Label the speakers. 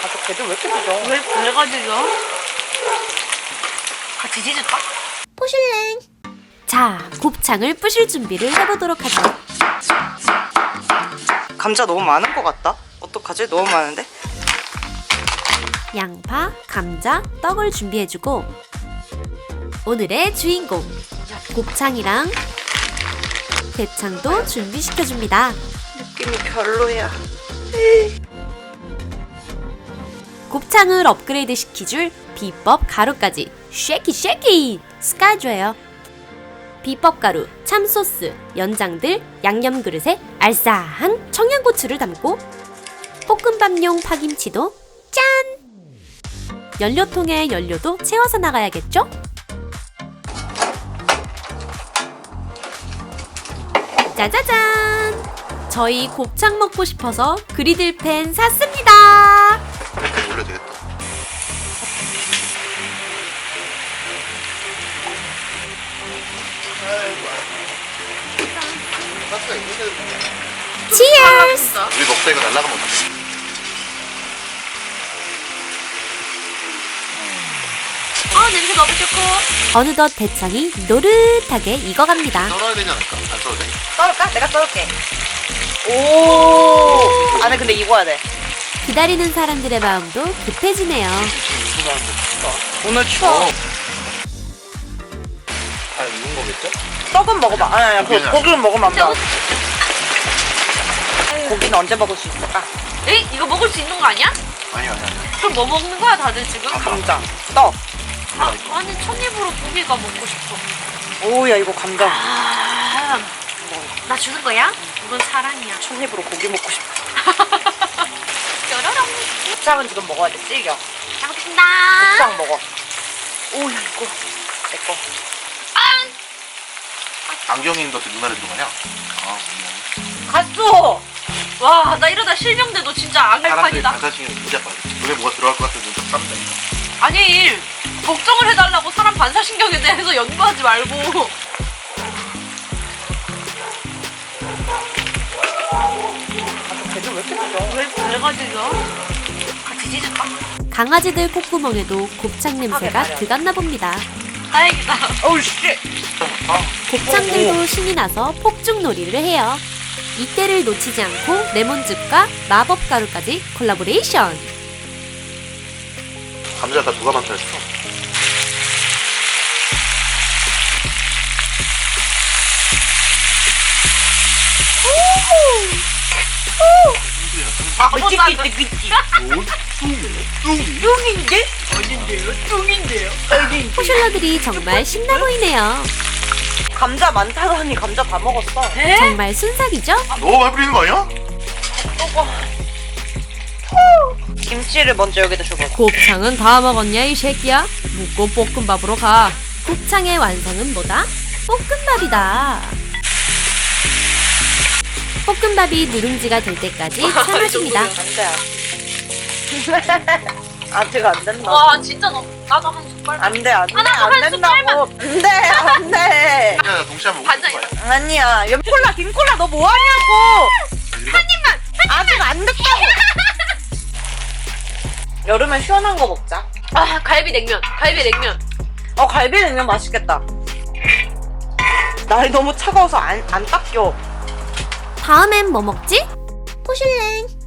Speaker 1: 저 걔들 왜 이렇게 짖어?
Speaker 2: 왜 가지죠? 같이 짖을까?
Speaker 3: 포슐랭. 자, 곱창을 부실 준비를 해보도록 하죠.
Speaker 1: 감자 너무 많은 것 같다? 어떡하지? 너무 많은데?
Speaker 3: 양파, 감자, 떡을 준비해주고 오늘의 주인공 곱창이랑 대창도 준비시켜줍니다.
Speaker 1: 느낌이 별로야.
Speaker 3: 곱창을 업그레이드 시키줄 비법 가루까지 쉐키 ska줘요. 비법 가루, 참소스, 연장들, 양념 그릇에 알싸한 청양고추를 담고 볶음밥용 파김치도 짠! 연료통에 연료도 채워서 나가야겠죠? 짜자잔! 저희 곱창 먹고 싶어서 그리들팬 샀습니다.
Speaker 4: 이렇게 올려도 되겠다.
Speaker 3: 치얼스!
Speaker 4: 우리 먹다 이거 날라가면 어떡해?
Speaker 2: 냄새 너무 좋고.
Speaker 3: 어느덧 대창이 노릇하게 익어갑니다.
Speaker 4: 썰어야 되지 않을까? 안 썰어도 돼?
Speaker 1: 썰을까? 내가 썰을게. 오. 안에 근데 익어야 돼.
Speaker 3: 기다리는 사람들의 마음도 급해지네요.
Speaker 1: 오늘 추워.
Speaker 4: 다 익은 거겠죠?
Speaker 1: 떡은 먹어봐. 아니, 고기는 먹으면 안 돼.
Speaker 2: 진짜
Speaker 1: 고기는 언제 먹을 수 있을까?
Speaker 2: 에이? 이거 먹을 수 있는 거 아니야?
Speaker 4: 아니야.
Speaker 2: 그럼 뭐 먹는 거야 다들 지금?
Speaker 1: 감자, 떡.
Speaker 2: 아니 첫입으로 고기가 먹고 싶어.
Speaker 1: 오야 이거 감자.
Speaker 2: 나 주는 거야? 이건 사랑이야.
Speaker 1: 첫 입으로 고기 먹고 싶어.
Speaker 2: 뾰로롱.
Speaker 1: 곱창은 지금 먹어야 돼. 질겨.
Speaker 2: 잘 먹겠습니다.
Speaker 1: 곱창 먹어. 오야 이거 내 거.
Speaker 4: 안경인도 누나를 들고 가냐?
Speaker 1: 갔어.
Speaker 2: 와, 나 이러다 실명돼도 진짜
Speaker 4: 사람들이
Speaker 2: 안갈판이다.
Speaker 4: 반사신경 진짜 빠져. 눈에 뭐가 들어갈 것 같으면 눈좀 쌈다니까.
Speaker 2: 아니, 걱정을 해달라고 사람 반사신경에 대해서 연구하지 말고.
Speaker 1: 걔들 왜 이렇게 짖어?
Speaker 2: 왜 가지죠? 같이 짖을까?
Speaker 3: 강아지들 콧구멍에도 곱창 냄새가 들갔나 봅니다.
Speaker 2: 다행이다.
Speaker 1: 어우 씨.
Speaker 3: 곱창들도 신이 나서 폭죽놀이를 해요. 이때를 놓치지 않고 레몬즙과 마법 가루까지 콜라보레이션.
Speaker 4: 감자가 누가 만들었어?
Speaker 1: 삐끼.
Speaker 4: 뚱이?
Speaker 1: 뚱인데?
Speaker 3: 포슐러들이 정말 신나 보이네요.
Speaker 1: 감자 많다고 하니 감자 다 먹었어.
Speaker 3: 정말 순삭이죠?
Speaker 4: 너무 많이 뿌리는 거 아니야?
Speaker 1: 김치를 먼저 여기다 줘봐.
Speaker 3: 곱창은 다 먹었냐 이 새끼야? 묵고 볶음밥으로 가. 곱창의 완성은 뭐다? 볶음밥이다. 볶음밥이 누룽지가 될 때까지 삶아줍니다.
Speaker 1: 안 돼. 아직 안 된다.
Speaker 2: 와, 진짜 나도 한 숟갈.
Speaker 1: 안 돼, 안 돼,
Speaker 2: 하나도
Speaker 1: 안
Speaker 2: 한
Speaker 1: 된다고. 안 돼, 안 돼.
Speaker 4: 그냥 동시에 한번 먹는
Speaker 2: 반장이야.
Speaker 4: 거야.
Speaker 1: 아니야. 콜라, 김콜라 너 뭐 하냐고. 아직 안 됐다고. 여름에 시원한 거 먹자.
Speaker 2: 아, 갈비냉면.
Speaker 1: 갈비냉면 맛있겠다. 날이 너무 차가워서 안 닦여.
Speaker 3: 다음엔 뭐 먹지? 포슐랭.